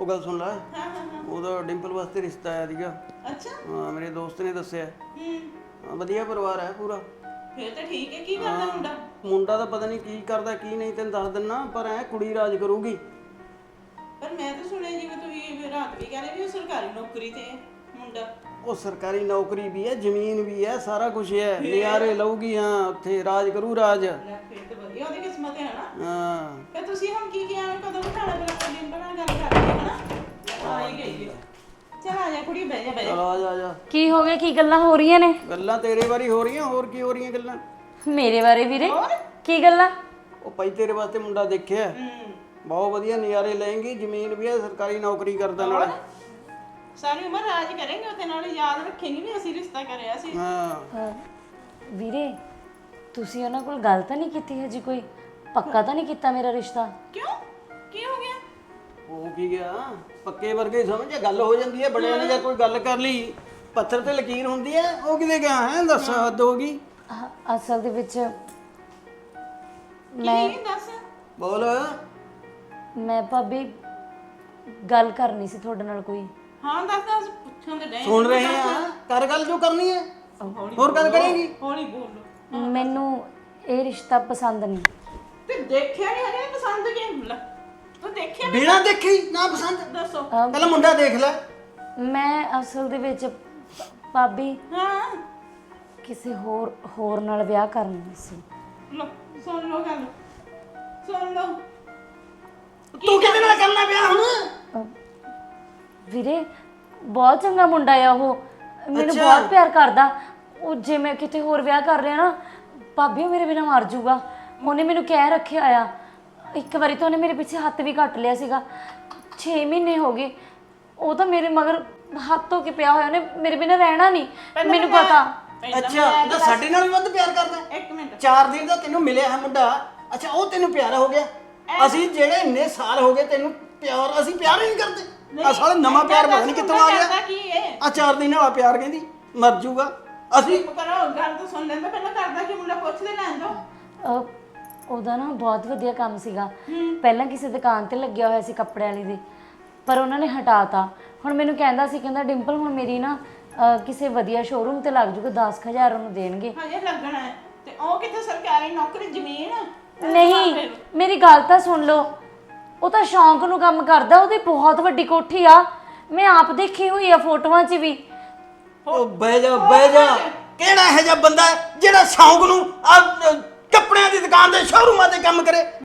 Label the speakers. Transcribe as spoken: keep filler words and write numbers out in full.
Speaker 1: ਉਹ ਗੱਲ ਸੁਣ ਲੈ।
Speaker 2: ਹਾਂ ਹਾਂ ਹਾਂ
Speaker 1: ਉਹਦਾ ਡਿੰਪਲ ਵਾਸਤੇ ਰਿਸ਼ਤਾ ਆਇਆ ਸੀਗਾ।
Speaker 2: ਅੱਛਾ
Speaker 1: ਹਾਂ ਮੇਰੇ ਦੋਸਤ ਨੇ ਦੱਸਿਆ।
Speaker 2: ਹੂੰ
Speaker 1: ਹਾਂ, ਵਧੀਆ ਪਰਿਵਾਰ ਹੈ ਪੂਰਾ।
Speaker 2: ਫੇਰ ਤਾਂ ਠੀਕ ਹੈ। ਕੀ ਕਰਦਾ ਮੁੰਡਾ?
Speaker 1: ਮੁੰਡਾ ਤਾਂ ਪਤਾ ਨਹੀਂ ਕੀ ਕਰਦਾ ਕੀ ਨਹੀਂ, ਤੈਨੂੰ ਦੱਸ ਦਿੰਨਾ, ਪਰ ਐ ਕੁੜੀ ਰਾਜ ਕਰੂਗੀ।
Speaker 2: ਪਰ ਮੈਂ ਤਾਂ ਸੁਣਿਆ ਜਿਵੇਂ ਤੁਸੀਂ ਵੀ ਰਾਤ ਵੀ ਕਹਿੰਦੇ ਵੀ ਉਹ ਸਰਕਾਰੀ ਨੌਕਰੀ ਤੇ ਹੈ ਮੁੰਡਾ।
Speaker 1: ਉਹ ਸਰਕਾਰੀ ਨੌਕਰੀ ਵੀ ਹੈ, ਜ਼ਮੀਨ ਵੀ ਹੈ, ਸਾਰਾ ਕੁਝ ਹੈ, ਨਿਆਰੇ ਲਊਗੀ। ਹਾਂ ਉੱਥੇ ਰਾਜ ਕਰੂ ਰਾਜ।
Speaker 2: ਲੈ ਫੇਰ ਤਾਂ ਵਧੀਆ ਉਹਦੀ ਕਿਸਮਤ ਹੈ ਨਾ।
Speaker 1: ਹਾਂ
Speaker 2: ਫੇਰ ਤੁਸੀਂ ਹੁਣ ਕੀ ਕਿਹਾ ਕਦੋਂ ਬਿਠਾਣਾ ਫਿਰ ਆਪਾਂ ਡਿੰਪਲ ਨਾਲ ਗੱਲ ਕਰਦੇ ਹਾਂ ਹਨਾ। ਆ ਹੀ ਗਈ ਹੈ। ਚੱਲ ਆ ਜਾ ਕੁੜੀ ਬਹਿ ਜਾ ਬਹਿ ਜਾ।
Speaker 1: ਚਲ ਆ ਜਾ ਆ ਜਾ।
Speaker 3: ਕੀ ਹੋ ਗਿਆ? ਕੀ ਗੱਲਾਂ ਹੋ ਰਹੀਆਂ ਨੇ?
Speaker 1: ਗੱਲਾਂ ਤੇਰੇ ਬਾਰੇ ਹੋ ਰਹੀਆਂ, ਹੋਰ ਕੀ ਹੋ ਰਹੀਆਂ ਗੱਲਾਂ?
Speaker 3: ਮੇਰੇ ਬਾਰੇ ਵੀਰੇ?
Speaker 2: ਹੋਰ?
Speaker 3: ਕੀ ਗੱਲਾਂ?
Speaker 1: ਉਹ ਭਾਈ ਤੇਰੇ ਵਾਸਤੇ ਮੁੰਡਾ ਦੇਖਿਆ,
Speaker 2: ਹੂੰ
Speaker 1: ਬਹੁਤ ਵਧੀਆ ਨਜ਼ਾਰੇ ਲਏਂਗੀ, ਜ਼ਮੀਨ ਵੀ ਹੈ, ਸਰਕਾਰੀ ਨੌਕਰੀ ਕਰਦਾ ਨਾਲ।
Speaker 2: ਸਾਰੀ ਉਮਰ ਰਾਜ ਕਰਾਂਗੇ ਉਹਦੇ ਨਾਲ, ਯਾਦ ਰੱਖੇਂਗੇ ਵੀ ਅਸੀਂ ਰਿਸ਼ਤਾ ਕਰਿਆ ਸੀ।
Speaker 1: ਹਾਂ
Speaker 3: ਅਹ, ਵੀਰੇ ਤੁਸੀਂ ਉਹਨਾਂ ਕੋਲ ਗੱਲ ਤਾਂ ਨਹੀਂ ਕੀਤੀ ਹਜੀ? ਕੋਈ ਪੱਕਾ ਤਾਂ ਨਹੀਂ ਕੀਤਾ ਮੇਰਾ ਰਿਸ਼ਤਾ?
Speaker 2: ਕਿਉਂ? ਕੀ ਹੋ ਗਿਆ?
Speaker 1: ਹੋ ਕੀ ਗਿਆ? ਪੱਕੇ ਵਰਗੇ ਹੀ ਸਮਝ, ਗੱਲ ਹੋ ਜਾਂਦੀ ਹੈ ਬੜਿਆਂ ਨੇ, ਜਾਂ ਕੋਈ ਗੱਲ ਕਰ ਲਈ ਪੱਥਰ ਤੇ ਲਕੀਰ ਹੁੰਦੀ ਹੈ। ਉਹ ਕਿਤੇ ਗਿਆ ਹੈ? ਦੱਸ ਹੱਦ ਹੋ ਗਈ।
Speaker 3: ਅਹ, ਅਸਲ ਦੇ ਵਿੱਚ ਮੈਂ
Speaker 2: ਕੀ ਦੱਸ?
Speaker 1: ਬੋਲ।
Speaker 3: ਮੈਂ ਭਾਬੀ ਗੱਲ ਕਰਨੀ ਸੀ ਤੁਹਾਡੇ ਨਾਲ ਕੋਈ।
Speaker 2: ਹਾਂ ਦੱਸ ਦੱਸ, ਪੁੱਛਣ ਤੇ ਡੈ।
Speaker 1: ਸੁਣ ਰਹੇ ਆ, ਕਰ ਗੱਲ ਜੋ ਕਰਨੀ ਹੈ, ਹੋਰ ਗੱਲ ਕਰੇਗੀ।
Speaker 2: ਹੌਲੀ ਬੋਲੋ।
Speaker 3: ਮੈਨੂੰ ਇਹ ਰਿਸ਼ਤਾ ਪਸੰਦ ਨਹੀਂ।
Speaker 2: ਤੇ ਦੇਖਿਆ ਨਹੀਂ ਹਜੇ ਪਸੰਦ ਕੀ? ਲੈ ਤੂੰ ਦੇਖਿਆ ਨੀ?
Speaker 1: ਬਿਨਾਂ ਦੇਖੀ ਨਾ ਪਸੰਦ?
Speaker 2: ਦੱਸੋ।
Speaker 3: ਅਹ,
Speaker 1: ਪਹਿਲਾਂ ਮੁੰਡਾ ਦੇਖ ਲੈ।
Speaker 3: ਮੈਂ ਅਸਲ ਦੇ ਵਿੱਚ ਭਾਬੀ
Speaker 2: ਹਾਂ
Speaker 3: ਕਿਸੇ ਹੋਰ ਹੋਰ ਨਾਲ ਵਿਆਹ ਕਰਨਾ ਸੀ।
Speaker 2: ਲੋ ਸੁਣ ਲੋ ਗੱਲ, ਸੁਣ ਲੋ।
Speaker 1: ਤੂੰ ਕਿਹਦੇ ਨਾਲ ਕਰਨਾ ਵਿਆਹ ਹੁਣ?
Speaker 3: ਅਹ, ਵੀਰੇ ਬਹੁਤ ਚੰਗਾ ਮੁੰਡਾ ਆ ਉਹ, ਮੈਨੂੰ
Speaker 1: ਅੱਛਾ।
Speaker 3: ਬਹੁਤ ਪਿਆਰ ਕਰਦਾ। ਉਹ ਜੇ ਮੈਂ ਕਿਤੇ ਹੋਰ ਵਿਆਹ ਕਰ ਲਿਆ ਨਾ ਭਾਬੀ ਉਹ ਮੇਰੇ ਬਿਨਾਂ ਮਰ ਜਾਊਗਾ। ਉਹਨੇ ਮੈਨੂੰ ਕਹਿ ਰੱਖਿਆ ਆ। ਇੱਕ ਵਾਰੀ ਤਾਂ ਉਹਨੇ ਮੇਰੇ ਪਿੱਛੇ ਹੱਥ ਵੀ ਕੱਟ ਲਿਆ ਸੀਗਾ। ਛੇ ਮਹੀਨੇ ਹੋ ਗਏ ਉਹ ਤਾਂ ਮੇਰੇ ਮਗਰ ਹੱਥ ਧੋ ਕੇ ਪਿਆ ਹੋਇਆ। ਉਹਨੇ ਮੇਰੇ ਬਿਨਾਂ ਰਹਿਣਾ ਨਹੀਂ, ਮੈਨੂੰ ਪਤਾ।
Speaker 1: ਅੱਛਾ ਤਾਂ ਸਾਡੇ ਨਾਲ ਵੀ ਵੱਧ ਪਿਆਰ ਕਰਦਾ?
Speaker 2: ਇੱਕ ਮਿੰਟ।
Speaker 1: ਚਾਰ ਦਿਨ ਦਾ ਤੈਨੂੰ ਮਿਲਿਆ ਹੈ ਮੁੰਡਾ, ਅੱਛਾ ਉਹ ਤੈਨੂੰ ਪਿਆਰਾ ਹੋ ਗਿਆ? ਅਸੀਂ ਜਿਹੜੇ ਇੰਨੇ ਸਾਲ ਹੋ ਗਏ ਤੈਨੂੰ ਪਿਆਰ, ਅਸੀਂ ਪਿਆਰ ਹੀ ਨਹੀਂ ਕਰਦੇ। ਆ ਸਾਲੇ ਨਵਾਂ ਪਿਆਰ ਪਤਾ ਨਹੀਂ ਕਿੱਥੋਂ ਆ
Speaker 2: ਕਰਦਾ
Speaker 1: ਗਿਆ।
Speaker 2: ਕੀ ਹੈ?
Speaker 1: ਆ ਚਾਰ ਦਿਨ ਵਾਲਾ ਪਿਆਰ ਕਹਿੰਦੀ ਮਰ ਜੂਗਾ। ਅਸੀਂ
Speaker 2: ਚੁੱਪ ਕਰੋ, ਗੱਲ ਤਾਂ ਸੁਣ ਲੈਂਦਾ ਪਹਿਲਾਂ। ਕਰਦਾ ਕੀ ਮੁੰਡਾ? ਪੁੱਛ ਲੈ ਲੈਣ ਦੋ।
Speaker 3: ਅਹ, ਉਹਦਾ ਨਾ ਬਹੁਤ ਵਧੀਆ ਕੰਮ ਸੀਗਾ। ਪਹਿਲਾਂ ਕਿਸੇ ਦੁਕਾਨ ਤੇ ਲੱਗਿਆ ਹੋਇਆ ਸੀ ਕੱਪੜੇ ਵਾਲੀ ਦੇ, ਪਰ ਉਹਨਾਂ ਨੇ ਹਟਾਤਾ। ਹੁਣ ਮੈਨੂੰ ਕਹਿੰਦਾ ਸੀ, ਕਹਿੰਦਾ ਡਿੰਪਲ ਹੁਣ ਮੇਰੀ ਨਾ ਅਹ, ਕਿਸੇ ਵਧੀਆ ਸ਼ੋਰੂਮ ਤੇ ਲੱਗ ਜੂਗਾ, ਦਸ ਕੁ ਹਜ਼ਾਰ ਉਹਨੂੰ ਦੇਣਗੇ।
Speaker 2: ਹਜੇ ਲੱਗਣਾ ਹੈ ਤੇ ਉਹ ਕਿੱਥੇ ਸਰਕਾਰੀ ਨੌਕਰੀ, ਜ਼ਮੀਨ?
Speaker 3: ਨਹੀਂ ਮੇਰੀ ਗੱਲ ਤਾਂ ਸੁਣ ਲਓ। ਉਹ ਤਾਂ ਸ਼ੌਂਕ ਨੂੰ ਕੰਮ ਕਰਦਾ। ਉਹਦੀ ਬਹੁਤ ਵੱਡੀ ਕੋਠੀ ਆ, ਮੈਂ ਆਪ ਦੇਖੀ ਹੋਈ ਆ ਫੋਟੋਆਂ 'ਚ ਵੀ।
Speaker 1: ਉਹ ਬਹਿ ਜਾ ਬਹਿ ਜਾ। ਕਿਹੜਾ ਇਹੋ ਜਿਹਾ ਬੰਦਾ ਹੈ ਜਿਹੜਾ ਸ਼ੌਂਕ ਨੂੰ ਆ ਕੱਪੜਿਆਂ ਦੀ ਦੁਕਾਨ ਦੇ ਸ਼ੋਰੂਮਾਂ ਤੇ ਕੰਮ ਕਰੇ?